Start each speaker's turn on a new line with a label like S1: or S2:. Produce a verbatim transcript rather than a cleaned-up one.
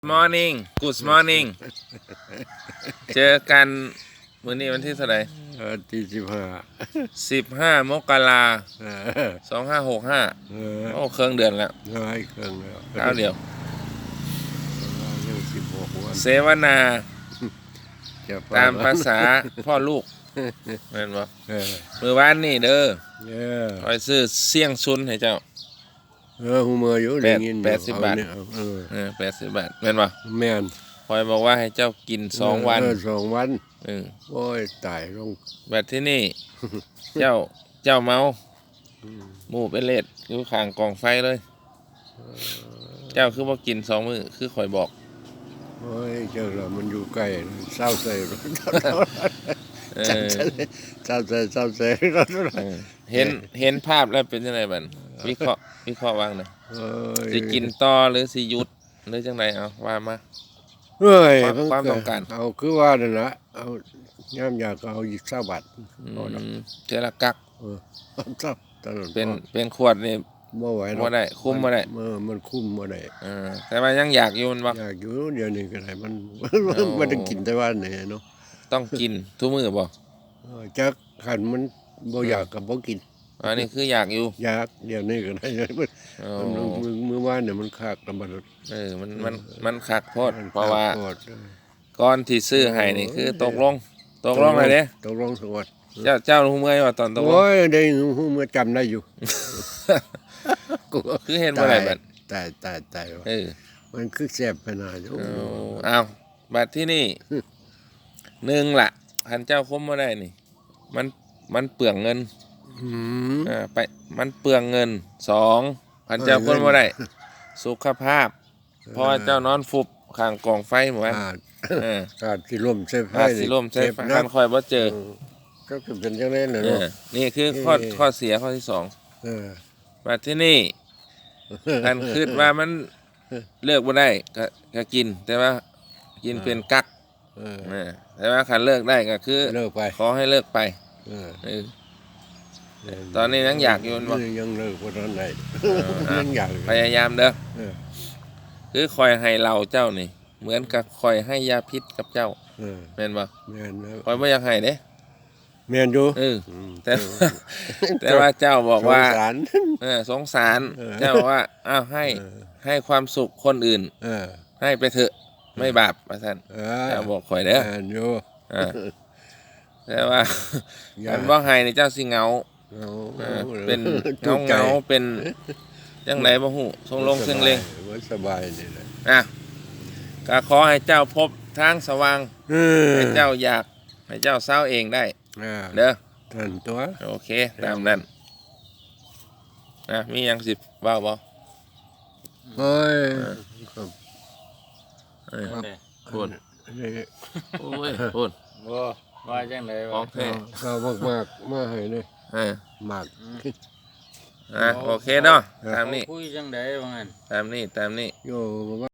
S1: Morning Good morning เจอกันมื้อนี้วันที่เท่าไหร่
S2: เออที่สิบห้า
S1: สิบห้ามกรา
S2: เออ
S1: สองห้าหกห้า
S2: เออ
S1: โอ้เครื่องเดือนแล้ว
S2: ร้อยเครื่องแล้ว
S1: ข้าวเดียว
S2: เรื่องสิบหกวัน
S1: เสวนาตามภาษาพ่อลูกแม่นบ่
S2: เออ
S1: มื้อวานนี่เด้อ
S2: เออ
S1: คอยซื้อเสี่ยงซุนให้เจ้า
S2: เออหูมืออยู่ได้ยิน
S1: แปดสิบบาท
S2: เออ
S1: เออแปดสิบบาทแม่นบ่
S2: แม่น
S1: คอยบอกว่าให้เจ้ากินสองวัน
S2: เออสองวัน
S1: เออ
S2: โอ้ยตายลง
S1: แบบที่นี่เจ้าเจ้าเมาหมู่เป็นเลดอยู่ข้างกองไฟเลยเจ้าคือบ่กินสองมื้อคือข่อยบอก
S2: โอ้ยเจ้าละมันอยู่ใกล้เศร้าใจ
S1: เออ
S2: เศร้าใจเศร้าใจ
S1: เห็นเห็นภาพแล้วเป็นจังไดบัดวิเคราะห์วิเคราะห์ว่างน่ะสิกินต่อหรือสิหยุดหรือจังไดเอาว่ามา
S2: เฮ้ย
S1: ความต้องการ
S2: เอาคือว่านั่นล่ะเอาย่ำอยากเอาอีกเก้าบาท
S1: อืมเทอละกัก
S2: เออครับตลอด
S1: เป็นเป็นขวดนี่
S2: บ่ไหว
S1: บ่ได้คุมบ่ได้
S2: เออมันคุมบ่ได้
S1: เออแต่ว่ายังอยากอยู่มันบ่
S2: อยากอยู่เดี๋ยวนี้ก็ได้มันบ่ได้กินแต่ว่านี่เนาะ
S1: ต้องกินทุกมื้อบ่
S2: เออจักคันมันบ่อยากก็บ่กิน
S1: อันนี้คืออยากอยู่
S2: อยากเดี๋ยวนี้ก็ได้มันมื้อวานเนี่ยมันคักลำบาก
S1: เออมันมันมันคักโพดเพราะว่าก่อนที่ซื้อให้นี่คือตกลงตกลงเลยเด้
S2: ตกลงสวัสดิ์
S1: เจ้าเจ้าฮู้เมื่อยว่าตอนตกลง
S2: โอ้ยได้ฮู้เมื่อจำได้อยู่
S1: คือเห็นบ่ได้บัด
S2: ตายตายตาย
S1: เออ
S2: มันคือแซ่บขนาดโอ้
S1: อ้าวบัดที่นี่หนึ่งล่ะคันเจ้าคมบ่ได้นี่มันมันเปลืองเงิน
S2: อืม
S1: อ่าไปมันเปลืองเงินสองคันเจ้าคนบ่ได้สุขภาพเพราะว่าเจ้านอนฟุบข้างกองไฟหมู่ว่า
S2: เออขาดสิล่มใส่ไฟ
S1: สิล่มใส่ไฟคันค่อยบ่เจอ
S2: ก็คือเป็นจังได๋น่ะเนาะ
S1: นี่คือข้อข้อเสียข้อที่สอง
S2: เออ
S1: บัดที่นี่คันคิดว่ามันเลิกบ่ได้ก็ก็กินแต่ว่ากินเป็นกัก
S2: เออ
S1: แต่ว่าคันเลิกได้ก็คือ
S2: เลิกไป
S1: ขอให้เลิกไป
S2: เออ
S1: เออตอนนี้ยังอยากอยู่บ่
S2: ยังเลิกบ่ทันได้ยังอยาก
S1: พยายามเด้อคือคอยให้เราเจ้านี่เหมือนกับคอยให้ยาพิษกับเจ้า
S2: เออ
S1: แม่นบ่
S2: แม่น
S1: คอยบ่อยากให้เด้
S2: แม่นอยู่
S1: เออแต่แต่ว่าเจ้าบอกว่า
S2: สงสาร
S1: เออสงสารเจ้าบอกว่าอ้าวให้ให้ความสุขคนอื่น
S2: เออ
S1: ให้ไปเถอะไม่บาปว่าซั่นเจ้าบอกข่อยเด้อ
S2: แม่นอยู่
S1: อ่าแต่ว่าคันบ่ให้นี่เจ้าสิเหงาเป็นเงาเงาเป็นจังไดบ่ฮู้ทรงลงเชิงเล็ง
S2: บ่สบายนี่แหละ
S1: อ่ะก็ขอให้เจ้าพบทางสว่างให้เจ้าอยากให้เจ้าเศร้าเองได้เด้อ
S2: ท่านตัว
S1: โอเคตามนั้นนะมีหยังสิเว้าบ่
S2: เฮ้ยครับ
S1: เอ้ยพูดโอ้ยพูด
S3: บ่ว่าจังได๋
S1: โอเค
S2: ก็มากๆมาให้นี่
S1: เออ
S2: มาก
S1: อ่ะโอเคเนาะตามนี้
S3: คุยจังได๋ว่างั้น
S1: ตามนี้ตามนี้
S2: โย